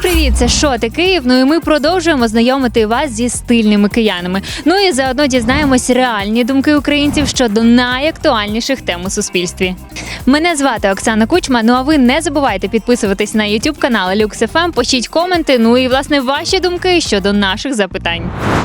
привіт! Це «Шоти Київ». Ну і ми продовжуємо знайомити вас зі стильними киянами. Ну і заодно дізнаємось реальні думки українців щодо найактуальніших тем у суспільстві. Мене звати Оксана Кучма, ну а ви не забувайте підписуватись на YouTube канал Lux FM, пишіть коменти, ну і власне ваші думки щодо наших запитань.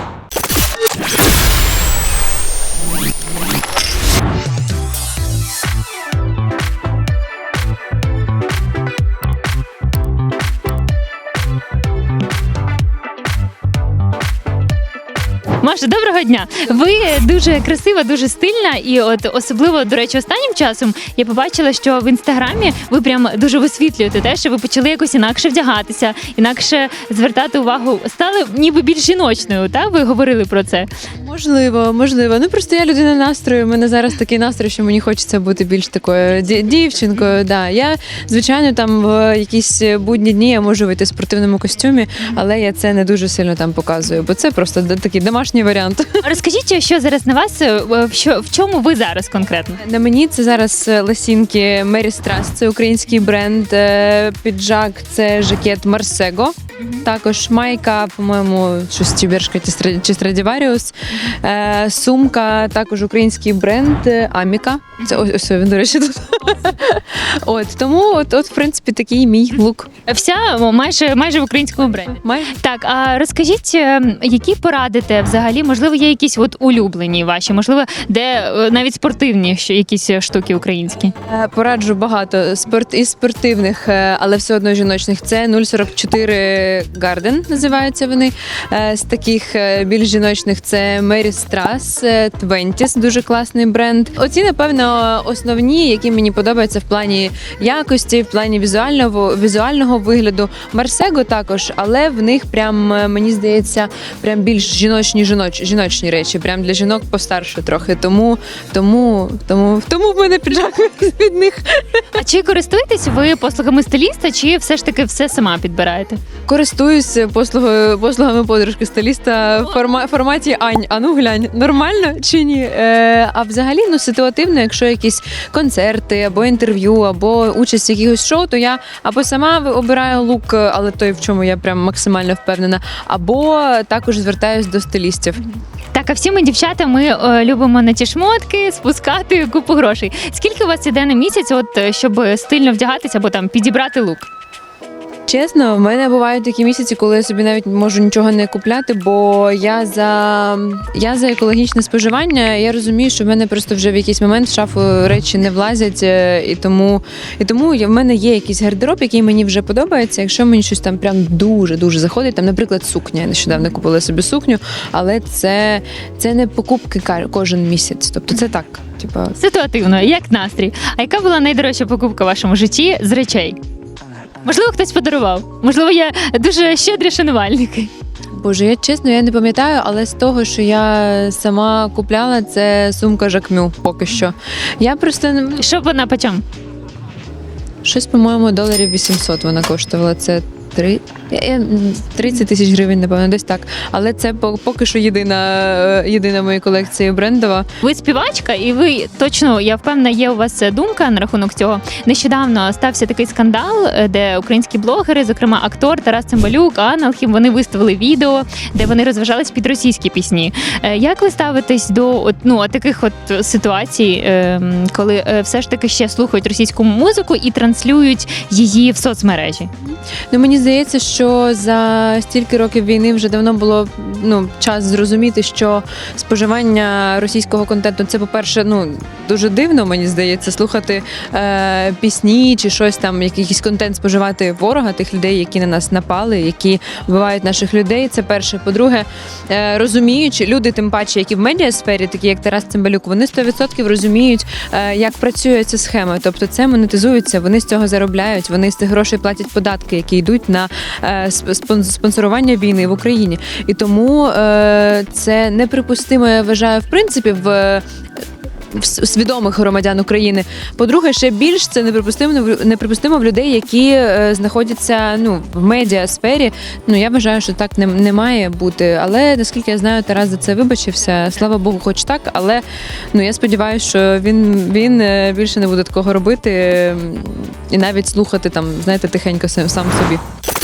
Маша, доброго дня! Ви дуже красива, дуже стильна і от особливо, до речі, останнім часом я побачила, що в Інстаграмі ви прям дуже висвітлюєте те, що ви почали якось інакше вдягатися, інакше звертати увагу, стали ніби більш жіночною, так? Ви говорили про це? Можливо. Ну просто я людина настрою, у мене зараз такий настрій, що мені хочеться бути більш такою дівчинкою. Да. Я, звичайно, там в якісь будні дні я можу вийти в спортивному костюмі, але я це не дуже сильно там показую, бо це просто такий домашній варіант. Розкажіть, що зараз на вас, в чому ви зараз конкретно? На мені це зараз лосінки Mary Strass, це український бренд, піджак це жакет Марсего, також майка, по-моєму, щось Тібершка чи Страдіваріус, сумка, також український бренд Аміка, це ось він, до речі, тут. Тому в принципі, такий мій лук. Вся майже в українському бренді. Так, а розкажіть, які порадите взагалі, можливо, є якісь от улюблені ваші, можливо, де навіть спортивні якісь штуки українські? Пораджу багато із спортивних, але все одно жіночних. Це 044 Garden, називаються вони. З таких більш жіночних це Mary Strass, Twenties, дуже класний бренд. Оці, напевно, основні, які мені подобаються в плані якості, в плані візуального вигляду. Марсего також, але в них прям, мені здається, прям більш жіночні речі, прям для жінок постарше трохи. Тому в мене піджак від них. А чи користуєтесь ви послугами стиліста, чи все ж таки все сама підбираєте? Користуюсь послугами подружки-стиліста в форматі «Ань, а ну глянь, нормально чи ні?» А взагалі, ситуативно, якщо якісь концерти, або інтерв'ю, або участь в якихось шоу, то я або сама обираю лук, але той, в чому я прям максимально впевнена, або також звертаюсь до стилістів. Так, а всі ми, дівчата, ми любимо на ті шмотки спускати купу грошей. Скільки у вас іде на місяць, щоб стильно вдягатися або там підібрати лук? Чесно, в мене бувають такі місяці, коли я собі навіть можу нічого не купляти, бо я за екологічне споживання. Я розумію, що в мене просто вже в якийсь момент в шафу речі не влазять, і тому в мене є якийсь гардероб, який мені вже подобається. Якщо мені щось там прям дуже заходить, там, наприклад, сукня. Я нещодавно купила собі сукню, але це не покупки кожен місяць. Тобто це так, ситуативно, як настрій. А яка була найдорожча покупка в вашому житті з речей? Можливо, хтось подарував. Можливо, є дуже щедрі шанувальники. Боже, я не пам'ятаю, але з того, що я сама купляла, це сумка Жакмю поки що. Я просто... Що вона по чому? Щось, по-моєму, $800 вона коштувала. Це 30 тисяч гривень, напевно, десь так. Але це поки що єдина в моїй колекції брендова. Ви співачка, і ви точно, я впевнена, є у вас думка на рахунок цього. Нещодавно стався такий скандал, де українські блогери, зокрема актор Тарас Цимбалюк, Анна Алхім, вони виставили відео, де вони розважались під російські пісні. Як ви ставитесь до таких ситуацій, коли все ж таки ще слухають російську музику і транслюють її в соцмережі? Мені здається, що за стільки років війни вже давно було час зрозуміти, що споживання російського контенту – це, по-перше, дуже дивно, мені здається, слухати пісні чи щось там, якийсь контент споживати ворога, тих людей, які на нас напали, які вбивають наших людей. Це перше. По-друге, розуміючи, люди, тим паче, які в медіасфері, такі як Тарас Цимбалюк, вони 100% розуміють, як працює ця схема. Тобто це монетизується, вони з цього заробляють, вони з цих грошей платять податки, які йдуть на спонсорування війни в Україні. І тому це неприпустимо, я вважаю, в принципі, в свідомих громадян України. По-друге, ще більш це неприпустимо в людей, які знаходяться в медіасфері. Я вважаю, що так не має бути. Але, наскільки я знаю, Тарас за це вибачився. Слава Богу, хоч так. Але я сподіваюся, що він більше не буде такого робити і навіть слухати тихенько сам собі.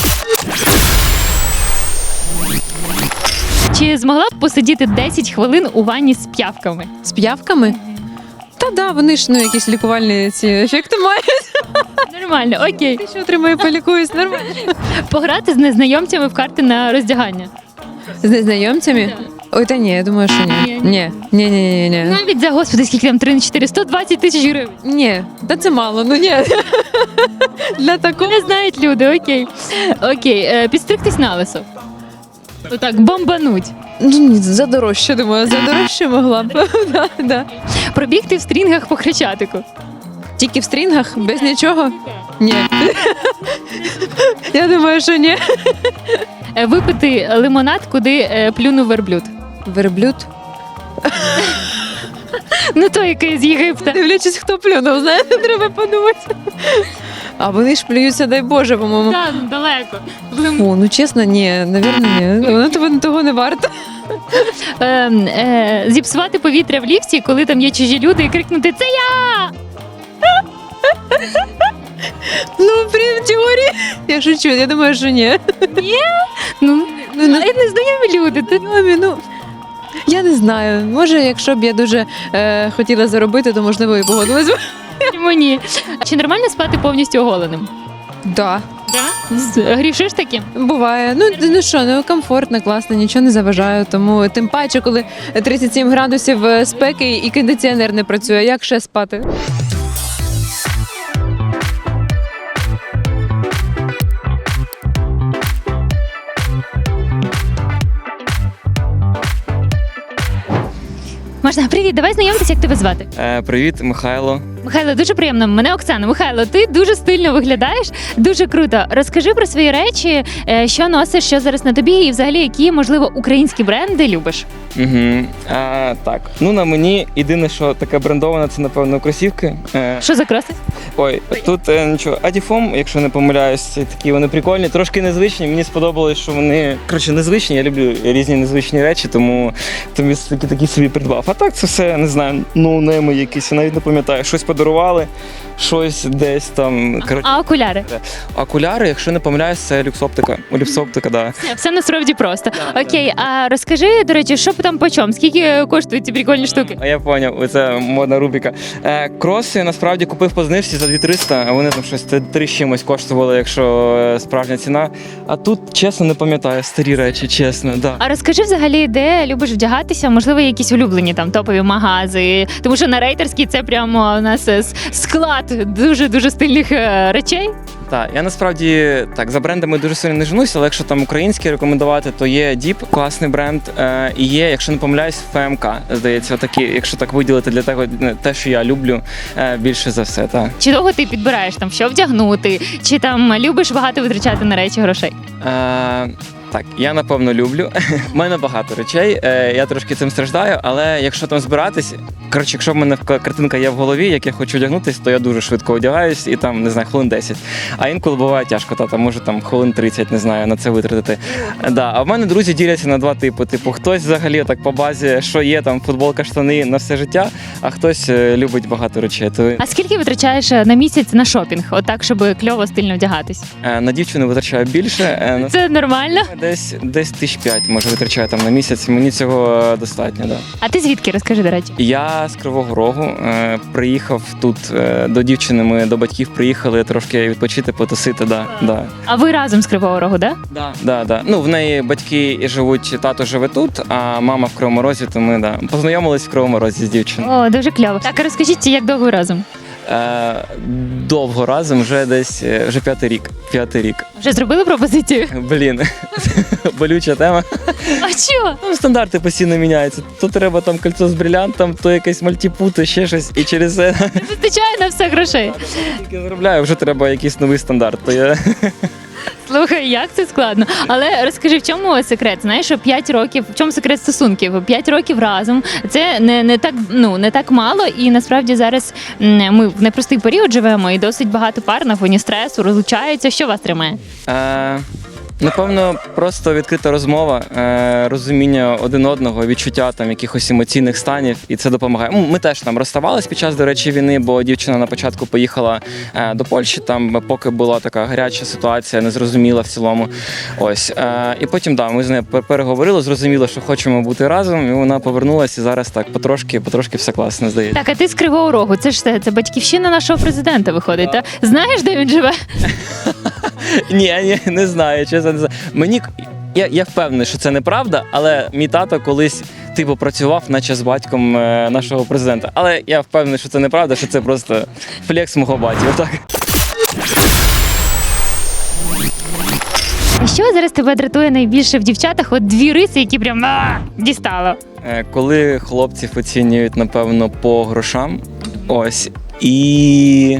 Чи змогла б посидіти 10 хвилин у ванні з п'явками? З п'явками? Та да, вони ж якісь лікувальні ці ефекти мають. Нормально, окей. Ти що отримаю, полікуюсь, нормально. Пограти з незнайомцями в карти на роздягання. З незнайомцями? Ой, та ні, я думаю, що ні. Ні. Навіть за, господи, скільки там 3 на 4, 120 тисяч гривень. Ні, та це мало, ну ні. Для такого. Не знають люди, окей. Окей, підстригтись на лисо. Отак, бомбануть. Ну, ні, за дорожче, думаю, за дорожче могла б. Да. Пробігти в стрінгах по Хрещатику. Тільки в стрінгах, без нічого? Ні. Я думаю, що ні. Випити лимонад, куди плюнув верблюд. Верблюд? Ну той, який з Єгипта. Дивлячись, хто плюнув, знаєте, треба подумати. А вони ж плюються, дай Боже, по-моєму. Так, далеко. Фу, ну чесно, ні, навірно, ні. Воно того не варто. Зіпсувати повітря в ліфті, коли там є чужі люди, і крикнути «Це я!» Ну, в теорії. Я шучу, я думаю, що ні. Ну, незнайомі люди. Ну, я не знаю. Може, якщо б я дуже хотіла заробити, то можливо і погодилась б. Чому ні? Чи нормально спати повністю оголеним? Да. Грішиш таким? Буває. Ну що, ну комфортно, класно, нічого не заважаю. Тому тим паче, коли 37 градусів спеки і кондиціонер не працює, як ще спати? Можна, привіт, давай знайомитися, як тебе звати. Привіт, Михайло. Михайло, дуже приємно. Мене Оксана. Михайло, ти дуже стильно виглядаєш, дуже круто. Розкажи про свої речі, що носиш, що зараз на тобі, і взагалі які, можливо, українські бренди любиш. Угу. Так, ну на мені єдине, що таке брендоване, це напевно кросівки. Що за кроси? Ой, тут нічого, Адіфом, якщо не помиляюсь, такі вони прикольні, трошки незвичні. Мені сподобалось, що вони незвичні. Я люблю різні незвичні речі, тому такі собі придбав. А так це все, не знаю, ноунейми якісь, я навіть не пам'ятаю, щось подарували, щось десь там. А окуляри? Окуляри, якщо не помиляюсь, це люксоптика. Люксоптика, да. Все насправді просто. Окей, а розкажи, до речі, що там по чому? Скільки коштують ці прикольні штуки? Я зрозумів, це модна рубрика. Кроси насправді купив по знижці за 2300, а вони там щось 3 з чимось коштували, якщо справжня ціна. А тут, чесно, не пам'ятаю, старі речі, чесно, да. А розкажи взагалі, де любиш вдягатися, можливо, якісь улюблені там топові магази, тому що на рейтерській це прямо у нас склад дуже стильних речей. Так, я насправді так за брендами дуже сильно не женусь, але якщо там українські рекомендувати, то є Діп, класний бренд, і є, якщо не помиляюсь, ФМК, здається, такі, якщо так виділити для того, те, що я люблю більше за все. Так. Чи довго ти підбираєш там, що вдягнути, чи там любиш багато витрачати на речі грошей? Так, я напевно люблю. У мене багато речей, я трошки цим страждаю, але якщо там збиратись, якщо в мене картинка є в голові, як я хочу одягнутися, то я дуже швидко одягаюсь і там, не знаю, хвилин 10. А інколи буває тяжко, може там хвилин 30, не знаю, на це витратити. Да. А в мене друзі діляться на 2 типи. Типу, хтось взагалі так по базі, що є, там футболка, штани на все життя, а хтось любить багато речей. А скільки витрачаєш на місяць на шопінг, отак, щоб кльово, стильно вдягатись? На дівчину витрачаю більше. Це нормально? Десь 5,000 може витрачаю там на місяць, мені цього достатньо, да. А ти звідки, розкажи, до речі? Я з Кривого Рогу, приїхав тут до дівчини, ми до батьків приїхали трошки відпочити, потусити, да. А ви разом з Кривого Рогу, да? Да. Ну, в неї батьки живуть, тато живе тут, а мама в Кривому Розі, то ми, познайомились в Кривому Розі з дівчиною. О, дуже кльово. Так, а розкажіть, як довго ви разом? Довго разом, вже 5-й рік. Вже зробили пропозицію? Блін, болюча тема. А чого? Ну, стандарти постійно міняються. То треба там кольцо з брилянтом, то якесь мальтіпу, то ще щось. І через це... Не вистачає на все грошей. Тільки заробляю, вже треба якийсь новий стандарт. То я... Слухай, як це складно. Але розкажи, в чому секрет? Знаєш, що 5 років, в чому секрет стосунків? 5 років разом. Це не так мало, і насправді зараз ми в непростий період живемо, і досить багато пар на фоні стресу розлучаються. Що вас тримає? Напевно, просто відкрита розмова, розуміння один одного, відчуття там якихось емоційних станів, і це допомагає. Ми теж там розставались під час, до речі, війни, бо дівчина на початку поїхала до Польщі, там поки була така гаряча ситуація, незрозуміла в цілому. Ось. І потім, ми з нею переговорили, зрозуміли, що хочемо бути разом, і вона повернулася, і зараз так потрошки все класно, здається. Так, а ти з Кривого Рогу, це батьківщина нашого президента виходить, так? Знаєш, де він живе? Ні, не знаю, чесно не знаю. Я впевнений, що це неправда, але мій тато колись працював, наче з батьком нашого президента. Але я впевнений, що це неправда, що це просто флекс мого батька. Так. Що зараз тебе дратує найбільше в дівчатах? От дві риси, які прям дістало. Коли хлопців оцінюють, напевно, по грошам, ось, і...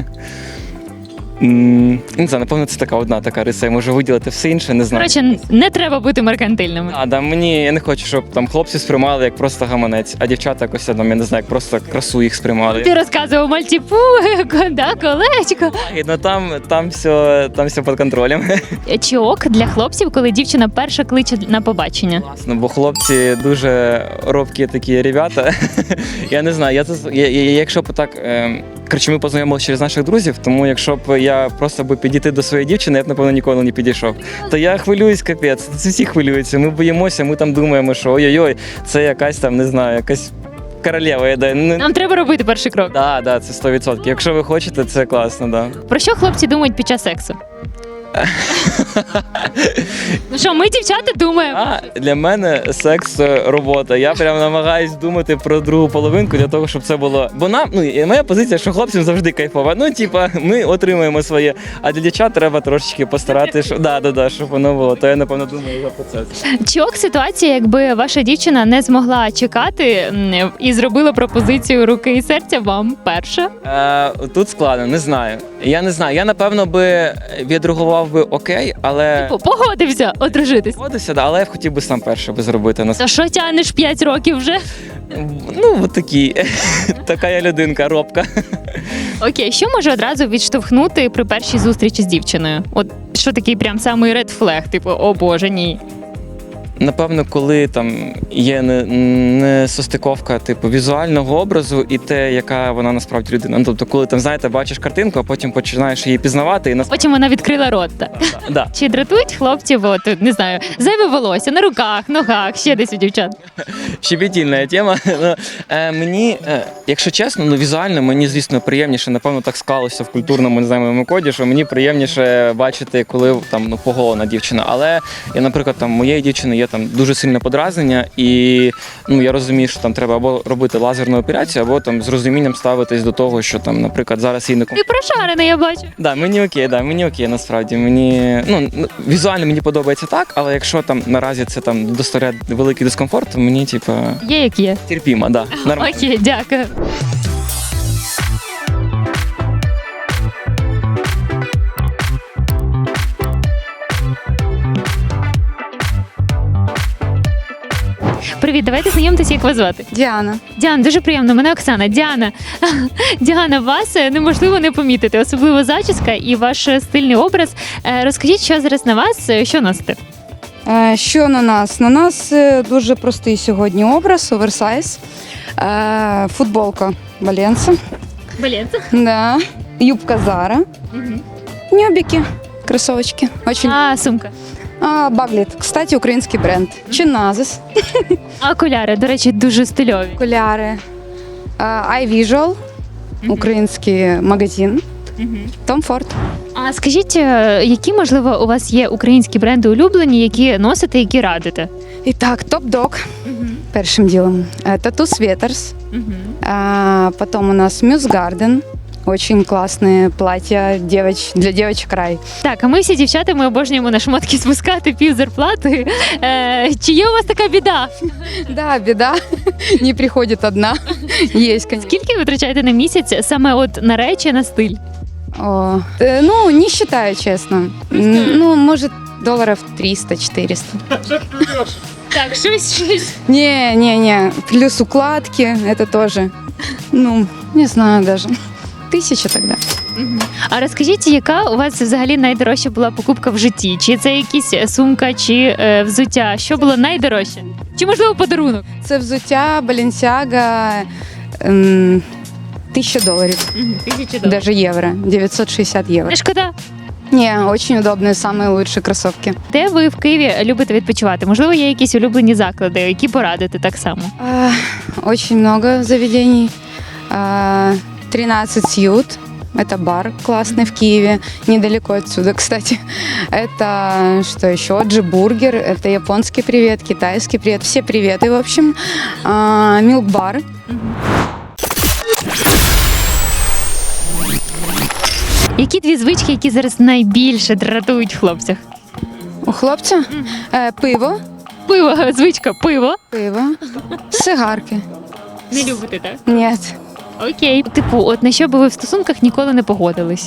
Не знаю, напевно, це одна така риса, я можу виділити все інше, не знаю. Коротше, не треба бути меркантильними. Я не хочу, щоб там хлопці сприймали як просто гаманець, а дівчата якось, я не знаю, як просто красу їх сприймали. Ти розказував мальтіпу, колечко. Там все під контролем. Чи ок для хлопців, коли дівчина перша кличе на побачення? Класно, бо хлопці дуже робкі такі ребята. Я не знаю, якщо б так... Коротше, ми познайомилися через наших друзів, тому якщо б я просто підійти до своєї дівчини, я б, напевно, ніколи не підійшов. То я хвилююсь, капець, всі хвилюються, ми боїмося, ми там думаємо, що ой-ой-ой, це якась там, не знаю, якась королева. Нам треба робити перший крок. Так, це 100%. Якщо ви хочете, це класно, да. Про що хлопці думають під час сексу? Ну що, ми, дівчата, думаємо. Для мене секс – робота. Я прям намагаюсь думати про другу половинку для того, щоб це було. Бо моя позиція, що хлопцям завжди кайфова. Ми отримуємо своє, а для дівчат треба трошечки постаратися, щоб воно було. То я, напевно, думаю за процес. Чи ок ситуація, якби ваша дівчина не змогла чекати і зробила пропозицію руки і серця вам перша? Тут складно, не знаю. Я не знаю. Я, напевно, би відреагував би окей, але... Погодився одружитись. Погодився, але я б хотів би сам перше зробити. Та що тянеш 5 років вже? От такі. Така я людинка, робка. Окей, що може одразу відштовхнути при першій зустрічі з дівчиною? От що такий прям самий ред флег, о боже, ні. Напевно, коли там є несостиковка візуального образу і те, яка вона насправді людина. Тобто, коли там, знаєте, бачиш картинку, а потім починаєш її пізнавати і потім вона відкрила рот. Да. Чи дратують хлопців, не знаю, зайве волосся на руках, ногах, ще десь у дівчат? Щепетільна тема. Мені, якщо чесно, візуально мені, звісно, приємніше, напевно, так склалося в культурному, не знаю, моєму коді, що мені приємніше бачити, коли там поголена дівчина. Але я, наприклад, моєї дівчини є там дуже сильне подразнення, і я розумію, що там треба або робити лазерну операцію, або там з розумінням ставитись до того, що там, наприклад, зараз їй не Ти прошарений, я бачу. Мені окей, насправді. Візуально мені подобається так, але якщо там наразі це там доставляє великий дискомфорт, то мені є як є. Терпімо, да. Нормально. Окей, дякую. Привіт, давайте знайомитися, як вас звати. Діана. Діана, дуже приємно, мене Оксана. Діана, вас неможливо не помітити, особливо зачіска і ваш стильний образ. Розкажіть, що зараз на вас, що носите? Що на нас? На нас дуже простий сьогодні образ, оверсайз, футболка Баленса, да. Юбка Зара, ньобіки, кросовочки. Сумка. Багліт, кстати, український бренд. Чиназис. Окуляри, до речі, дуже стильові. Окуляри. iVisual, український магазин. Tom Ford. А скажіть, які, можливо, у вас є українські бренди улюблені, які носите, які радите? І так, Top Dog, першим ділом. Tattoo Sweaters. Потом у нас Muse Garden. Очень классные платья для девочек рай. Так, а ми всі дівчата, ми обожнюємо на шмотки спускати пів зарплати. Чи є у вас така біда? Да, біда. Не приходить одна. Есть, конечно. Скільки ви витрачаєте на місяць саме на речі, на стиль? Не считаю, честно. Может, $300-400. Так, щось. Не. Плюс укладки, это тоже. Не знаю даже. 1000 тогда. А розкажіть, яка у вас взагалі найдорожча була покупка в житті? Чи це якісь сумка, чи взуття? Що було найдорожче? Чи можливо подарунок? Це взуття Balenciaga, $1000, $1000. даже евро, 960 евро. Не шкода. Не, очень удобные, самые лучшие кроссовки. Де ви в Києві любите відпочивати? Можливо, є якісь улюблені заклади, які порадите так само? Очень много заведений. 13 Сьют. Это бар классный в Киеве, недалеко отсюда, кстати. Это что еще? Джи-бургер, это японский привет, китайский привет, все приветы, в общем. Милк-бар. Які дві звички, які зараз найбільше дратують в хлопцях? У хлопця пиво, Пиво, звичка, пиво. сигарки. Не любите, так? Нет. Окей. Типу, от на що би ви в стосунках ніколи не погодились?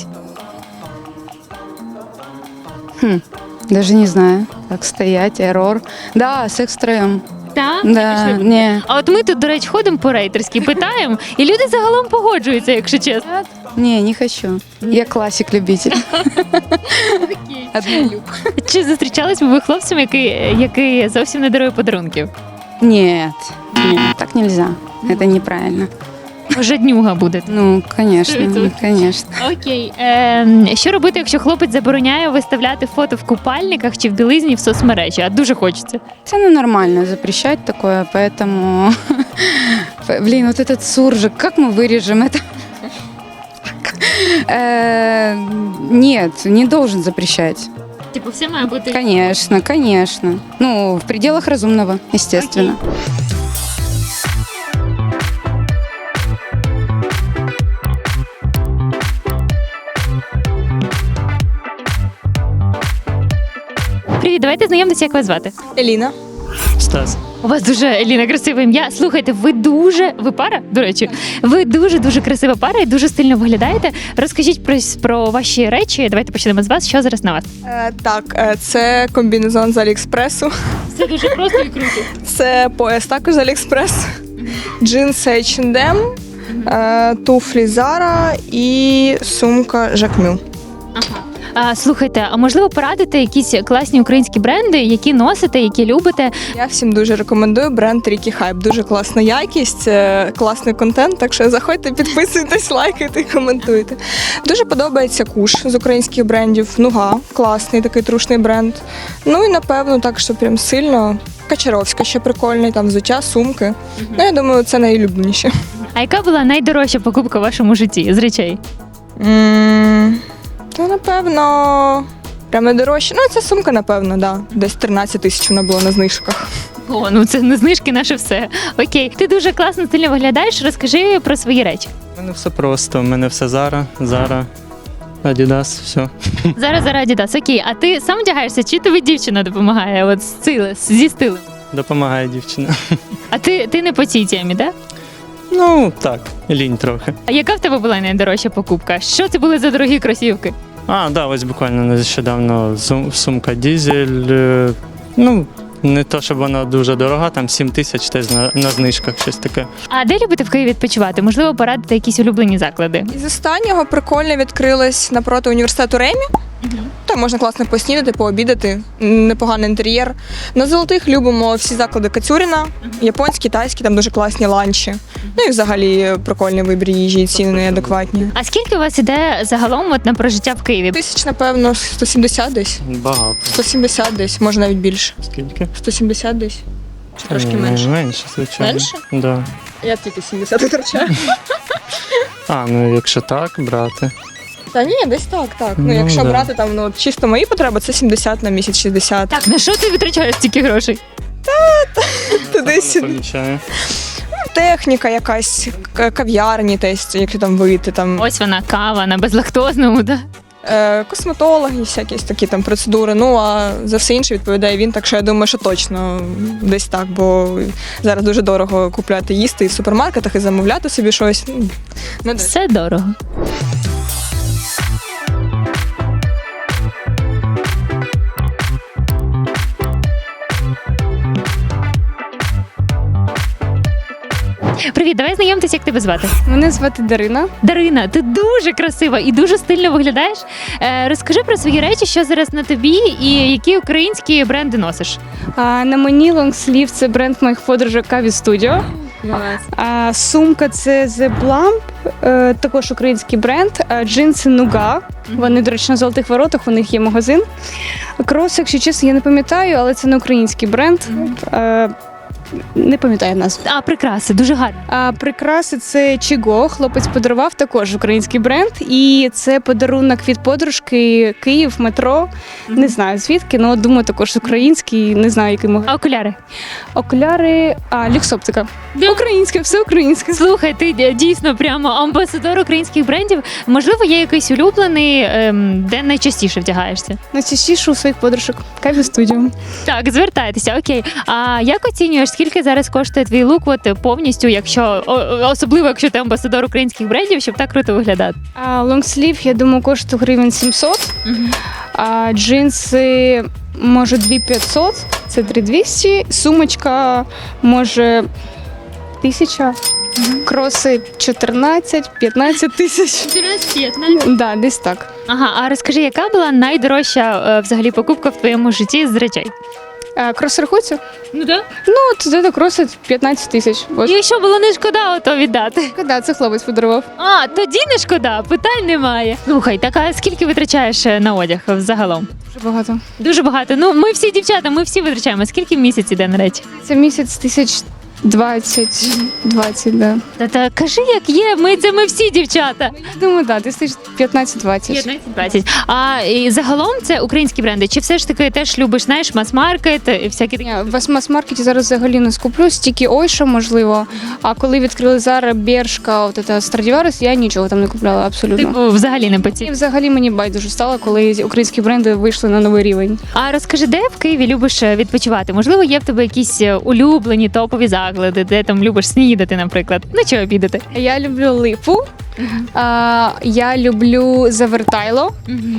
Даже не знаю, как стоять, эррор. Да, секс втроем. Так? Да, не. А от ми тут, до речі, ходимо по рейтерськи, питаємо, і люди загалом погоджуються, якщо чесно. Не хочу. Я классик-любитель. Однолюб. Чи зустрічались би ви хлопцем, який зовсім не дарує подарунків? Нет, так нельзя. Это неправильно. Жаднюга будете. Ну, конечно, 100%. конечно. Окей. Що робити, якщо хлопець забороняє виставляти фото в купальниках чи в білизні в соцмережі? А дуже хочеться. Это нормально запрещать такое, поэтому... Блин, вот этот суржик, как мы вырежем это? Нет, не должен запрещать. Типу, все має бути. Конечно, конечно. Ну, в пределах разумного, естественно. Привіт, давайте знайомитися, як вас звати. Еліна. Стас. У вас дуже, Еліна, красиве ім'я. Слухайте, ви пара, до речі, ви дуже красива пара і дуже стильно виглядаєте. Розкажіть про ваші речі. Давайте почнемо з вас. Що зараз на вас? Це комбінезон з Аліекспресу. Це дуже просто і круто. Це пояс також з Аліекспрес. Джинси H&M, туфлі Zara і сумка Jacquemus. Слухайте, а можливо порадити якісь класні українські бренди, які носите, які любите? Я всім дуже рекомендую бренд Рікі Хайп. Дуже класна якість, класний контент, так що заходьте, підписуйтесь, лайкайте і коментуйте. Дуже подобається Куш з українських брендів. Нуга, класний такий трушний бренд. Ну і напевно так, що прям сильно. Качаровська ще прикольний, там взуття, сумки. Ну, я думаю, це найулюбленіше. А яка була найдорожча покупка в вашому житті з речей? То, напевно, прям найдорожче. Ну, ця сумка, напевно, да. Десь 13 тисяч вона була на знижках. О, ну це не знижки, наше все. Окей, ти дуже класно, стильно виглядаєш. Розкажи про свої речі. У мене все просто. У мене все Zara, Adidas, все. Зараз Adidas. Окей, а ти сам одягаєшся, чи тобі дівчина допомагає от зі стилем? Допомагає дівчина. А ти не по цій темі, так? Ну, так, лінь трохи. А яка в тебе була найдорожча покупка? Що це були за дорогі кросівки? Ось буквально нещодавно сумка Дізель. Ну, не то, щоб вона дуже дорога, там 7 тисяч теж на знижках, щось таке. А де любите в Києві відпочивати? Можливо, порадити якісь улюблені заклади? Із останнього прикольно відкрилось напроти університету Ремі. Там можна класно поснідати, пообідати, непоганий інтер'єр. На Золотих любимо всі заклади Кацюріна, японські, тайські, там дуже класні ланчі. Ну і взагалі прикольний вибір їжі, і ціни неадекватні. А скільки у вас іде загалом от на прожиття в Києві? Тисяч, напевно, 170 десь. Багато. 170 десь, може навіть більше. Скільки? 170 десь. Чи трошки Ні, менше? Менше, звичайно. Менше? Да. Я тільки 70 витрачаю. Ну якщо так брати. Та ні, десь так. Ну, Ну, якщо да. брати там, ну, чисто мої потреби, це 70 на місяць, 60. Так, на що ти витрачаєш стільки грошей? Туди-сюди. Помічаю. Техніка якась, кав'ярні, якщо там вийти, там Ось вона, кава на безлактозному, да? косметологи, всякі такі там процедури. Ну а за все інше відповідає він. Так що я думаю, що точно десь так, бо зараз дуже дорого купляти їсти і в супермаркетах, і замовляти собі щось. Не десь. Все дорого. Привіт, давай знайомтесь, як тебе звати. Мене звати Дарина. Дарина, ти дуже красива і дуже стильно виглядаєш. Розкажи про свої речі, що зараз на тобі і які українські бренди носиш. На мені лонгслів це бренд моїх подружок Каві Studio. А сумка це The Blamp, також український бренд. Джинси Нуга. Вони, до речі, на Золотих Воротах, у них є магазин. Крос, якщо чесно, я не пам'ятаю, але це не український бренд. Не пам'ятаю назву. А прикраси, дуже гарно. А прикраси це Чіго. Хлопець подарував, також український бренд. І це подарунок від подружки Київ, метро. Не знаю звідки, але думаю, також український, не знаю, який магазин. А окуляри? Окуляри, люксоптика. Українське, все українське. Слухай, ти дійсно прямо амбасадор українських брендів. Можливо, є якийсь улюблений, де найчастіше вдягаєшся? Найчастіше у своїх подружок. Каві Studio. Так, звертайтеся, окей. А як оцінюєш, скільки зараз коштує твій лук, от повністю, якщо особливо, якщо ти амбасадор українських брендів, щоб так круто виглядати? Лонгслів, я думаю, коштує гривень 700. А джинси, може, 2500, це 3200. Сумочка, може, 1000. Кроси 14-15 тисяч. Да, десь так. Ага, а розкажи, яка була найдорожча взагалі покупка в твоєму житті з речей? Кроси рахуються? Ну так. Це кроси 15 тисяч. Ось. І що було не шкода, ото віддати. Да, це хлопець подарував. А, тоді не шкода, питань немає. Слухай, так а скільки витрачаєш на одяг загалом? Дуже багато. Дуже багато. Ну, ми всі дівчата, ми всі витрачаємо. Скільки в місяць іде на речі? Це місяць 20, да. Та кажи, як є, ми всі дівчата. Думаю, да, десь 15-20. 15-20. А і загалом це українські бренди? Чи все ж таки теж любиш, знаєш, мас-маркет і всякі такі? Ні, в мас-маркеті зараз взагалі не скуплюсь, тільки Ойша, можливо. А коли відкрили Zara, Бершка, от це Stradivarius, я нічого там не купляла абсолютно. Типу, взагалі не І поціль. взагалі мені байдуже стало, коли українські бренди вийшли на новий рівень. А розкажи, де в Києві любиш відпочивати? Можливо, є в тебе якісь улюблені топові заклади, де там любиш снідати, наприклад? Ну, чи обідати? Я люблю Липу, я люблю Завертайло,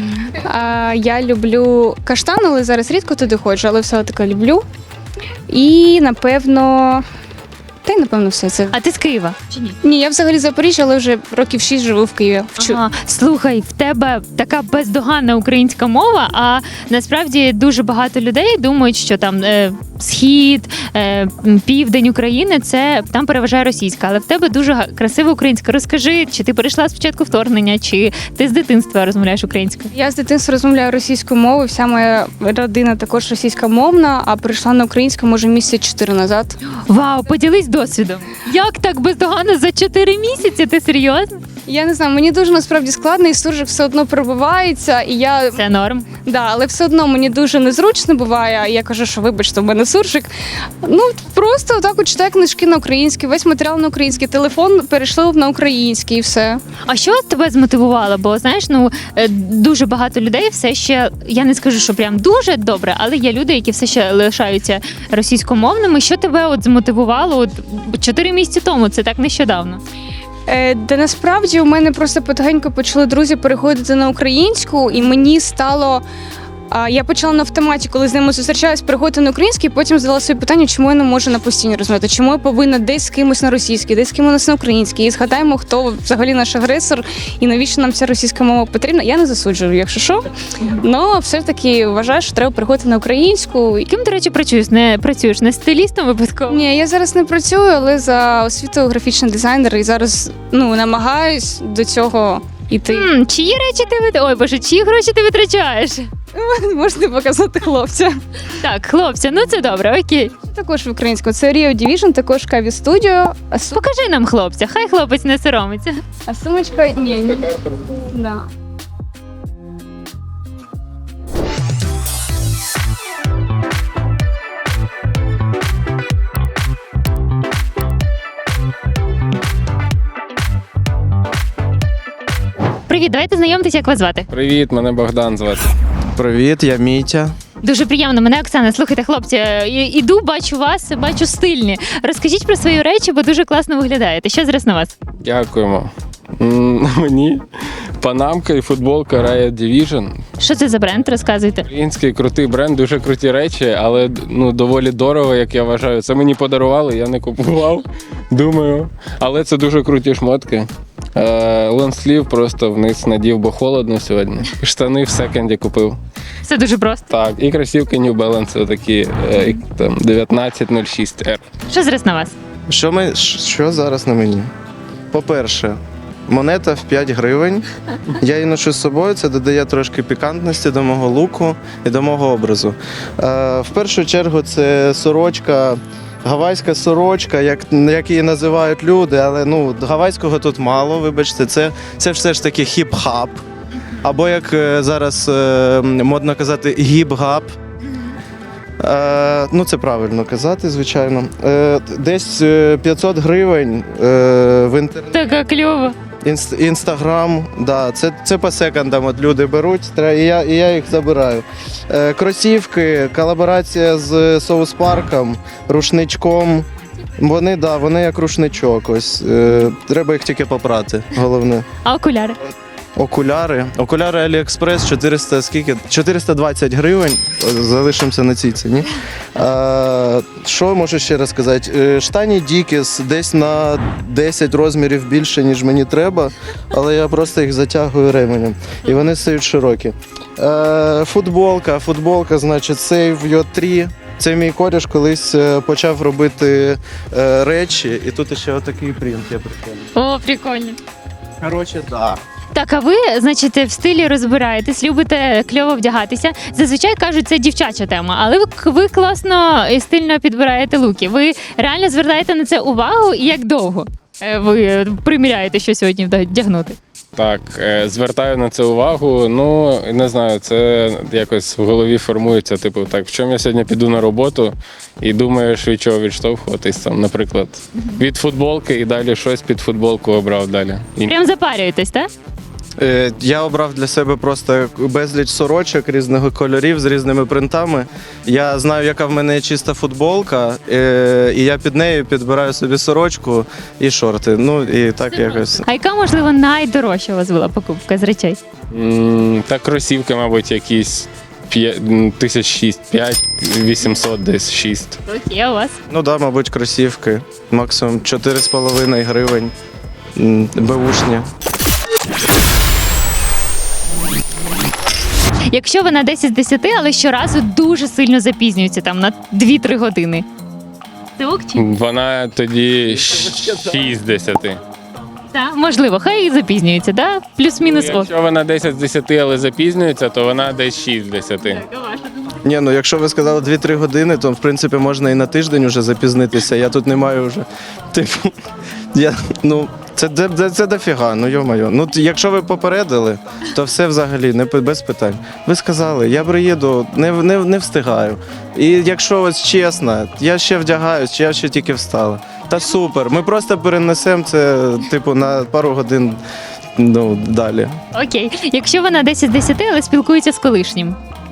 я люблю Каштан, але зараз рідко туди ходжу, але все таки люблю. І, напевно, все це. А ти з Києва? Чи ні? Ні, я взагалі з Запоріжжя, але вже років 6 живу в Києві. Ага. Слухай, в тебе така бездоганна українська мова, а насправді дуже багато людей думають, що там схід, південь України, це там переважає російська, але в тебе дуже красива українська. Розкажи, чи ти перейшла спочатку вторгнення, чи ти з дитинства розмовляєш українською? Я з дитинства розмовляю російською мовою, вся моя родина також російськомовна, а прийшла на українську, може, місяць 4 назад. Вау, поділись досвідом. Як так бездоганно за 4 місяці? Ти серйозно? Я не знаю, мені дуже насправді складно, і суржик все одно пробивається, і я... Це норм. Да, але все одно мені дуже незручно буває, і я кажу, що вибачте, в мене суржик. Ну, просто отак от читаю книжки на українській, весь матеріал на український, телефон перейшли на український і все. А що тебе змотивувало? Бо знаєш, дуже багато людей все ще, я не скажу, що прям дуже добре, але є люди, які все ще лишаються російськомовними. Що тебе от змотивувало 4 місяці тому? Це так нещодавно. Де насправді у мене просто потихеньку почали друзі переходити на українську, і мені стало. Я почала на автоматі, коли з ними зустрічаюсь, переходити на український, потім задала собі питання, чому я не можу на постійні розмовляти, чому я повинна десь з кимось на російській, десь з кимось на українській. І згадаємо, хто взагалі наш агресор і навіщо нам ця російська мова потрібна. Я не засуджую, якщо що. Але все ж таки вважаю, що треба переходити на українську. Ким, до речі, працюєш? Не стилістом випадково? Ні, я зараз не працюю, але за освітою графічний дизайнер і зараз намагаюсь до цього йти. Чиї речі ти Ой, боже, чиї гроші ти витрачаєш? Можете показати хлопця. Так, хлопця, ну це добре, окей. Також в українську. Це Rio Division, також Каві Studio. Покажи нам хлопця, хай хлопець не соромиться. А сумочка ні. Да. Привіт, давайте знайомитися, як вас звати. Привіт, мене Богдан звати. Привіт, я Мітя. Дуже приємно, мене Оксана. Слухайте, хлопці, іду, бачу вас, бачу стильні. Розкажіть про свої речі, бо дуже класно виглядаєте. Що зараз на вас? Дякуємо. Мені Панамка і футболка Riot Division. Що це за бренд? Розказуйте. Український крутий бренд, дуже круті речі, але доволі дорого, як я вважаю. Це мені подарували, я не купував, думаю. Але це дуже круті шмотки. Лонслів просто вниз надів, бо холодно сьогодні. Штани в секонді купив. Все дуже просто. Так, і кросівки New Balance такі там 1906R. Що зараз на вас? Що зараз на мені? По-перше, монета в 5 гривень. Я її ношу з собою, це додає трошки пікантності до мого луку і до мого образу. В першу чергу це сорочка, гавайська сорочка, як її називають люди, але гавайського тут мало, вибачте, це все ж таки хіп-хап. Або, як зараз модно казати, гіп-гап. Це правильно казати, звичайно. Десь 500 гривень в інтернеті. Така кльово. Інстаграм, да, це по секондам от люди беруть, і я їх забираю. Кросівки, колаборація з соус-парком, рушничком. Вони як рушничок. Ось. Треба їх тільки попрати, головне. А окуляри? Окуляри Аліекспрес 420 гривень. Залишимося на цій ціні. Що можу ще раз сказати? Штані Дікіс десь на 10 розмірів більше, ніж мені треба, але я просто їх затягую ременем. І вони стають широкі. Футболка, значить, Save Your 3. Це мій коріш колись почав робити речі, і тут ще отакий принт я прикольний. О, прикольно. Коротше, так. Так, а ви, значить, в стилі розбираєтесь, любите кльово вдягатися. Зазвичай кажуть, це дівчача тема, але ви класно і стильно підбираєте луки. Ви реально звертаєте на це увагу і як довго ви приміряєте, що сьогодні вдягнути? Так, звертаю на це увагу. Не знаю, це якось в голові формується. Типу, так, в чому я сьогодні піду на роботу і думаєш, від чого відштовхуватись, там, наприклад, від футболки і далі щось під футболку обрав далі. Прям запарюєтесь, так? Я обрав для себе просто безліч сорочок різних кольорів з різними принтами. Я знаю, яка в мене є чиста футболка, і я під нею підбираю собі сорочку і шорти. І так якось. А яка, можливо, найдорожча у вас була покупка з речей? Так, кросівки, мабуть, якісь 1006, 5800 десь 6. Окей, а у вас? Мабуть, кросівки. Максимум 4,5 гривень. Беушні. Якщо вона 10 з 10, але щоразу дуже сильно запізнюється, там на 2-3 години. Це ок чи? Вона тоді 6 з 10. Так, можливо, хай і запізнюється, да? Плюс-мінус ок. Якщо вона 10 з 10, але запізнюється, то вона десь 6 з 10. Якщо ви сказали 2-3 години, то в принципі можна і на тиждень уже запізнитися. Я тут не маю вже. Це дофіга, йо-моє. Якщо ви попередили, то все взагалі без питань. Ви сказали, я приїду, не встигаю. І якщо ось чесно, я ще вдягаюсь, чи я ще тільки встала. Та супер, ми просто перенесемо це на пару годин далі. Окей. Якщо вона 10 з 10, але спілкується з колишнім.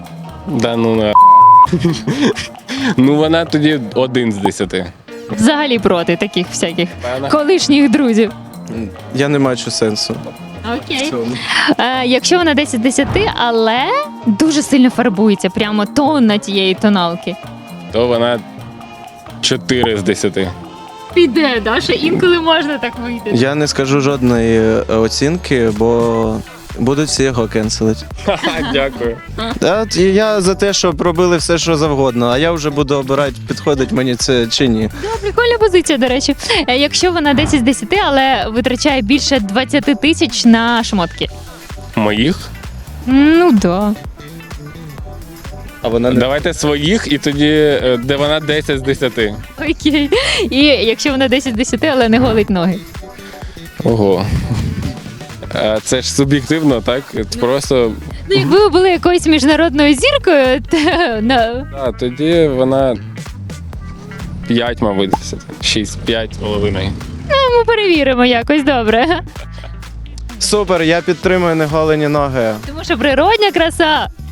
Вона тоді 1 з 10. Взагалі проти таких всяких колишніх друзів. Я не бачу сенсу. Окей. Якщо вона 10 з 10, але дуже сильно фарбується, прямо тонна тієї тоналки. То вона 4 з 10. Піде, да? Що інколи можна так вийти. Я не скажу жодної оцінки, бо будуть всі його кенселити. Дякую. Я за те, щоб робили все, що завгодно, а я вже буду обирати, підходить мені це чи ні. Прикольна позиція, до речі. Якщо вона 10 з 10, але витрачає більше 20 тисяч на шмотки. Моїх? Да. А вона не... Давайте своїх, і тоді, де вона 10 з 10. Окей. І якщо вона 10 з 10, але не голить ноги. Ого. Це ж суб'єктивно, так? Просто... Якби ви були якоюсь міжнародною зіркою, то... Тоді вона 5, мабуть, 6, 5,5. Ми перевіримо якось, добре. Супер, я підтримую неголені ноги. Тому що природня краса